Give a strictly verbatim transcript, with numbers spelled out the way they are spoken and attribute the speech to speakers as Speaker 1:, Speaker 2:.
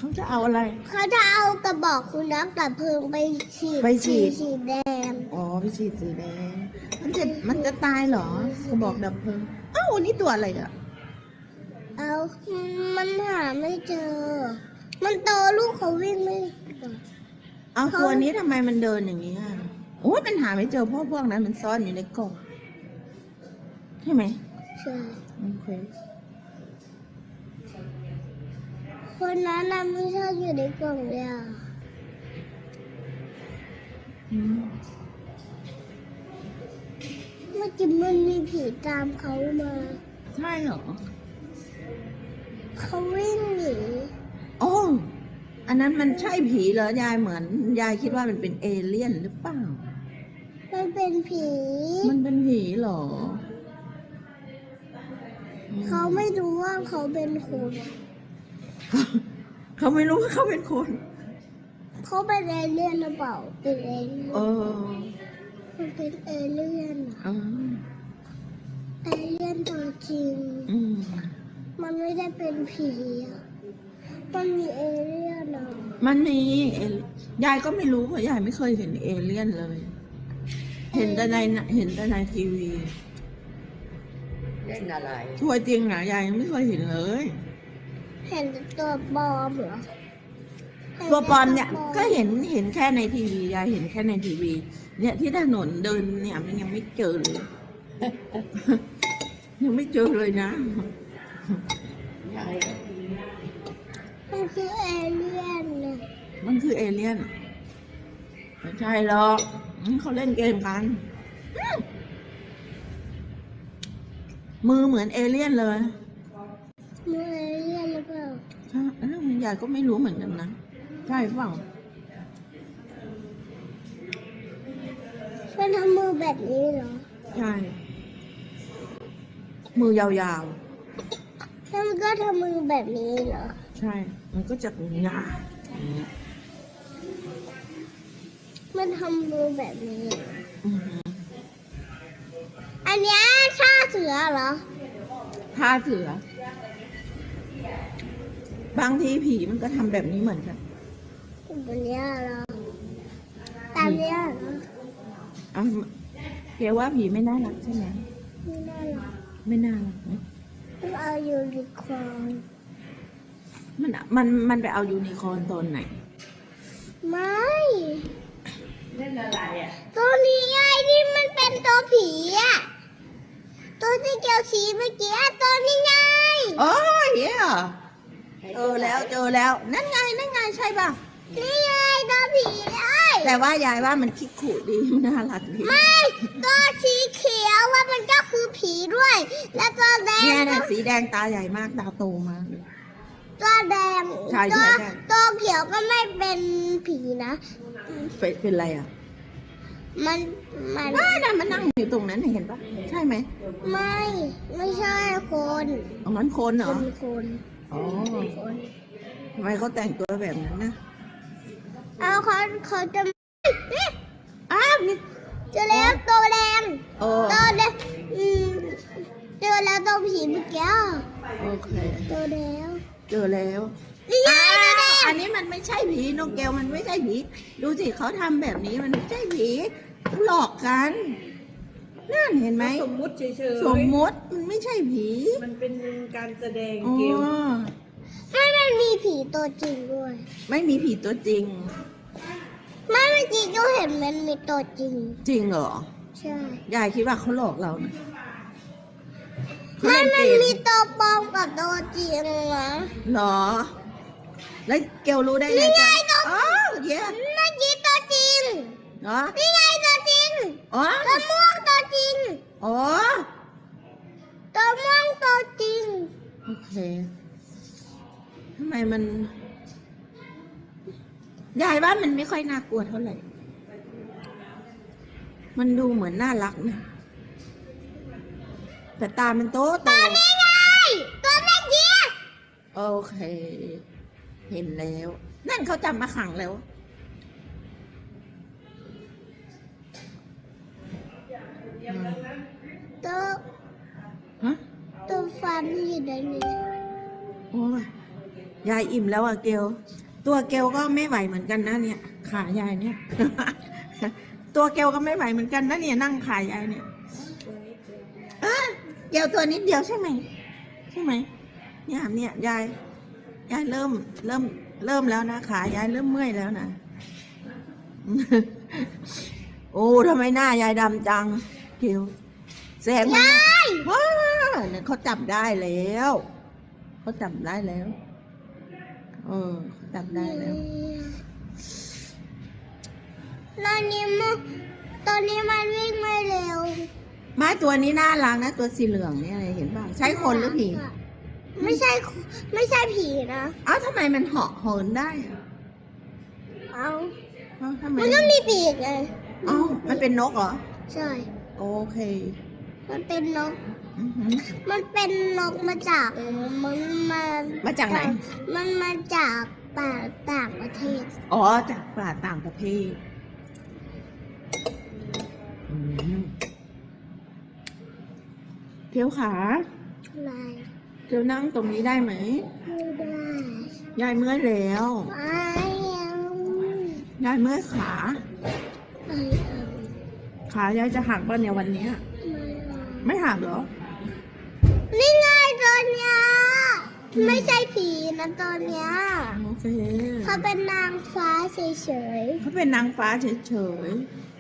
Speaker 1: เขาจะเอาอะไร
Speaker 2: เขาจะเอากระบอกคุณน้ำดับเพลิงไปฉีด
Speaker 1: ไปฉีด
Speaker 2: สีแดง
Speaker 1: อ๋อไปฉีดสีแดงมันจะมันจะตายเหรอกระบอกดับเพลิงอ้าวนี่ตัวอะไรอ่ะ
Speaker 2: เอามันหาไม่เจอมันโตลูกเขาวิ่งไม่
Speaker 1: เอาตัวนี้ทำไมมันเดินอย่างนี้อ่ะโอ้ยมันหาไม่เจอเพราะพวกนั้นมันซ่อนอยู่ในกล่องใช่ไหม
Speaker 2: ใช่
Speaker 1: โอเค
Speaker 2: คนนั้นน่ะไม่ชอบอยู่ในกล่องเลยอ่ะเมื่อกี้มันมีผีตามเขามา
Speaker 1: ใช่เหรอ
Speaker 2: เขาวิ่งหนี
Speaker 1: โอ้อันนั้นมันใช่ผีเหรอยายเหมือนยายคิดว่ามันเป็นเอเลี่ยนหรือเปล่า
Speaker 2: มันเป็นผี
Speaker 1: มันเป็นผีเหรอ
Speaker 2: เขาไม่รู้ว่าเขาเป็นคน
Speaker 1: เขาไม่รู้ว่าเขาเป็นคน
Speaker 2: เขาเป็นเอเลี่ยนหรือเปล่าเป็นเอเลี่ยน
Speaker 1: เออ
Speaker 2: มันเป็นเอเลี่ยน
Speaker 1: อ๋อ
Speaker 2: เอเลี่ยนตัวจริง
Speaker 1: อืม
Speaker 2: มันไม่ได้เป็นผีอ่ะมันมีเอเลี่ยนอ่ะ
Speaker 1: มันมียายก็ไม่รู้เพราะยายไม่เคยเห็นเอเลี่ยนเลย เห็นแต่ในเห็นแต่ในทีวี
Speaker 3: เล่นอะไร
Speaker 1: ทัวร์จริงนะยายยังไม่เคยเห็นเลย
Speaker 2: เห็นตัวปลอมเหรอ
Speaker 1: ตัวปลอมเนี่ยก็เห็นเห็นแค่ในทีวียายเห็นแค่ในทีวีเนี่ยที่ถนนเดินเนี่ยมันยังไม่เจอเลยยังไม่เจอเลยนะ
Speaker 2: มันคือเอเลี่ยนเลย
Speaker 1: มันคือเอเลี่ยนไม่ใช่หรอกเขาเล่นเกมกันมือเหมือนเอเลี่ยนเลย
Speaker 2: มือเอเลี่ยนหรือเปล่า
Speaker 1: ใช่ยายก็ไม่รู้เหมือนกันนะใช่เปล่า
Speaker 2: เป็นทำมือแบบนี้เหรอ
Speaker 1: ใช่มือยาว
Speaker 2: ๆแล้วมันก็ทำมือแบบนี้เหรอ
Speaker 1: ใช่มันก็จะงา
Speaker 2: มันทำมือแบบนี้อันนี้ท่าเสือเหรอ
Speaker 1: ท่าเสือบางทีผีมันก็ทำแบบนี้เหมือนกัน
Speaker 2: แบบนี้เหรอตามนี้เหรอ
Speaker 1: อ่ะเกี่ยวว่าผีไม่น่ารักใช่ไหม
Speaker 2: ไม่น่ารัก
Speaker 1: ไม่น่ารักนะ
Speaker 2: ต้องเอายูนิคอร์น
Speaker 1: มันมันมันไปเอายูนิคอร์นตอนไหน
Speaker 2: ไม่
Speaker 3: เล่นอะไรอ่ะ
Speaker 2: ตัวนี้ไงที่มันเป็นตัวผีอ่ะตัวที่เกี่ยวสีเมื่อกี้ตัวนี้ไง
Speaker 1: โอ้ยเหี้ยเจอแล้วเจอแล้วนั่นไงนั่นไงใช่ป่ะ
Speaker 2: นี่ไงตัวผีเลย
Speaker 1: แต่ว่ายายว่ามันคิดขู่ดีน่ารักดี
Speaker 2: ไม่ตัวสีเขียวว่ามันก็คือผีด้วยแล้วตัวแดง
Speaker 1: เนี่ยเนี่ยสีแดงตาใหญ่มากตาโตมาก
Speaker 2: ตัวแดง
Speaker 1: ใช่ใช่
Speaker 2: ตัวเขียวก็ไม่เป็นผีนะ
Speaker 1: เป็นเป็นอะไรอ่ะ
Speaker 2: มันมัน
Speaker 1: ไม่นะมันนั่งอยู่ตรงนั้นเห็นปะใช่ไหม
Speaker 2: ไม่ไม่ใช่คน
Speaker 1: อ๋อมันคนเหรอ
Speaker 2: เป็นคน
Speaker 1: อ๋อทำไมเขาแต่งตัวแบบนั้นนะ
Speaker 2: เอาเขาเขาจะ
Speaker 1: อ้าวนี่
Speaker 2: เจอแล้วตัวแดง
Speaker 1: ตัว
Speaker 2: แดงอืมเจอแล้วตัวผีเมื่อกี้
Speaker 1: โอเค
Speaker 2: ตัวแล้ว
Speaker 1: เจอแล้วอ้าวอันนี้มันไม่ใช่ผีนกแก้วมันไม่ใช่ผีดูสิเขาทำแบบนี้มันไม่ใช่ผีหลอกกันนั่นเห็นไหม
Speaker 3: สมมุติเฉย
Speaker 1: ๆสมมติมันไม่ใช่ผี
Speaker 3: มันเป็นการแสดงเกม
Speaker 2: ไม่มันมีผีตัวจริงด้วย
Speaker 1: ไม่มีผีตัวจริง
Speaker 2: ไม่เมื่อกี้ก็เห็นมันมีตัวจริง
Speaker 1: จริงเหรอ
Speaker 2: ใช่
Speaker 1: ยายคิดว่าเขาหลอกเรานะ
Speaker 2: ไม่มันมีตัวปลอมกับตัวจริงนะ
Speaker 1: เหรอแล้วเกลรู้ได้ไง
Speaker 2: นี่ไงตัว
Speaker 1: อ๋อเดี๋ยว
Speaker 2: เมื่อกี้ตัวจริง
Speaker 1: เหรอ
Speaker 2: นี่ไงตัวจริง
Speaker 1: อ๋อ
Speaker 2: ตัวม่วงตัวจริง
Speaker 1: อ๋อ
Speaker 2: ตัวม่วงตัวจริง
Speaker 1: โอเคทำไมมันยายว่ามันไม่ค่อยน่ากลัวเท่าไหร่มันดูเหมือนน่ารักนะแต่ตามันโตโต
Speaker 2: ตัวนี้ไงตัวเมื่อกี้
Speaker 1: โอเค เห็นแล้ว นั่นเขาจับมาขังแล้ว
Speaker 2: ตัว
Speaker 1: ฮะ
Speaker 2: ตัวฟันอยู่ในนี้
Speaker 1: โอ้ยยายอิ่มแล้วอะเกลตัวเกลก็ไม่ไหวเหมือนกันนะเนี่ย ขายายเนี่ย ตัวเกลก็ไม่ไหวเหมือนกันนะเนี่ยนั่งขายายเนี่ยเอ้ยเกลตัวนิดเดียวใช่ไหมใช่ไหมเนี่ยเนี่ยยายยายเริ่มเริ่มเริ่มแล้วนะขายายเริ่มเมื่อยแล้วนะ โอ้ทำไมหน้ายายดำจังเกลแสงมันว้าเนี่ยเขาจับได้แล้วเขาจับได้แล้วเออเขาจับได้แล้ว
Speaker 2: ตอนนี้มันตอนนี้มันวิ่งไม่เร็ว
Speaker 1: ไม้ตัวนี้น่ารักนะตัวสีเหลืองเนี่ยเห็นป่ะใช่คนหรือผี
Speaker 2: ไม่ใช่ไม่ใช่ผีนะ
Speaker 1: อ้าวทำไมมันเหาะเหินได้อะ
Speaker 2: เอา
Speaker 1: อ้าวทำไม
Speaker 2: มันต้องมีปีกไง
Speaker 1: อ้าวมันเป็นนกเหรอ
Speaker 2: ใช่
Speaker 1: โอเค
Speaker 2: มันเป็นนก
Speaker 1: อือหือ
Speaker 2: มันเป็นนกมาจากมันมา
Speaker 1: มาจากไหน
Speaker 2: มันมาจากป่าต่างประเทศ
Speaker 1: อ๋อจากป่าต่างประเทศอืมเทียวขา
Speaker 2: อะไร
Speaker 1: เทียวนั่งตรงนี้ได้ไหม
Speaker 2: ไม่ได้
Speaker 1: ยายเมื่อยแล้ว
Speaker 2: ไม่เอา
Speaker 1: ยายเมื่อยขา
Speaker 2: ไม่เอา
Speaker 1: ขายายจะหักป่ะเนี่ยวันเนี้ย
Speaker 2: ไม่เอา
Speaker 1: ไม่หักเหรอ
Speaker 2: นี่ไงตัวเนี้ยไม่ใช่ผีนะตัวเนี้ย
Speaker 1: โอเค
Speaker 2: เขาเป็นนางฟ้าเฉย
Speaker 1: เขาเป็นนางฟ้าเฉย